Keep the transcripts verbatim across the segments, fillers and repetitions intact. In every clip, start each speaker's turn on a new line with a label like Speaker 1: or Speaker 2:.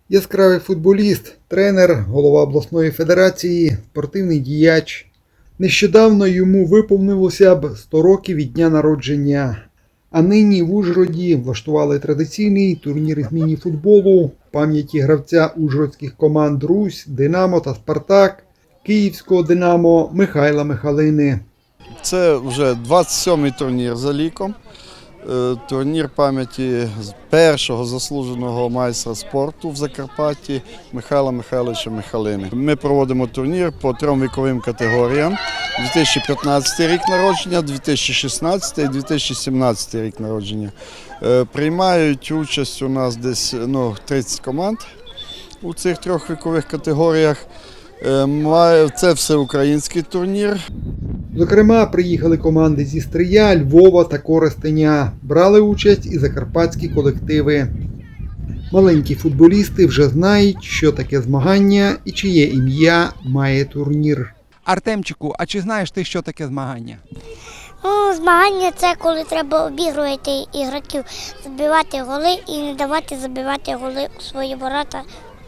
Speaker 1: Яскравий футболіст, тренер, голова обласної федерації, спортивний діяч. Нещодавно йому виповнилося б сто років від дня народження. А нині в Ужгороді влаштували традиційний турнір із міні-футболу в пам'яті гравця ужгородських команд «Русь», «Динамо» та «Спартак», київського «Динамо» Михайла Михалини.
Speaker 2: Це вже двадцять сьомий турнір за ліком. Турнір пам'яті першого заслуженого майстра спорту в Закарпатті Михайла Михайловича Михалини. Ми проводимо турнір по трьом віковим категоріям. дві тисячі п'ятнадцятий рік народження, дві тисячі шістнадцятий і дві тисячі сімнадцятий рік народження. Приймають участь у нас десь ну, тридцять команд у цих трьох вікових категоріях. Це всеукраїнський турнір.
Speaker 1: Зокрема, приїхали команди зі Стрия, Львова та Коростеня. Брали участь і закарпатські колективи. Маленькі футболісти вже знають, що таке змагання і чиє ім'я має турнір.
Speaker 3: Артемчику, а чи знаєш ти, що таке змагання?
Speaker 4: Ну, змагання – це коли треба обігрувати ігроків, забивати голи і не давати забивати голи у свої ворота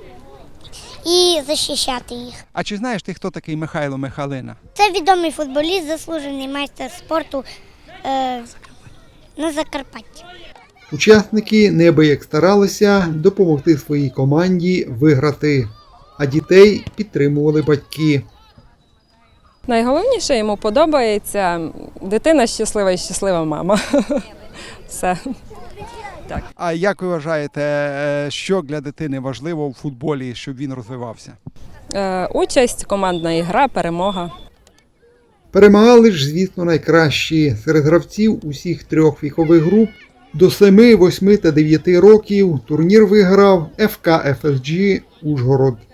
Speaker 4: і захищати їх.
Speaker 3: А чи знаєш ти, хто такий Михайло Михалина?
Speaker 4: Це відомий футболіст, заслужений майстер спорту е, на Закарпатті.
Speaker 1: Учасники неабияк старалися допомогти своїй команді виграти, а дітей підтримували батьки.
Speaker 5: Найголовніше йому подобається дитина щаслива і щаслива мама. Все. Так.
Speaker 3: А як ви вважаєте, що для дитини важливо в футболі, щоб він розвивався?
Speaker 5: Е, участь, командна гра, перемога.
Speaker 1: Перемагали ж, звісно, найкращі. Серед гравців усіх трьох вікових груп до семи, восьми та дев'яти років турнір виграв еф ка еф ес джі Ужгород.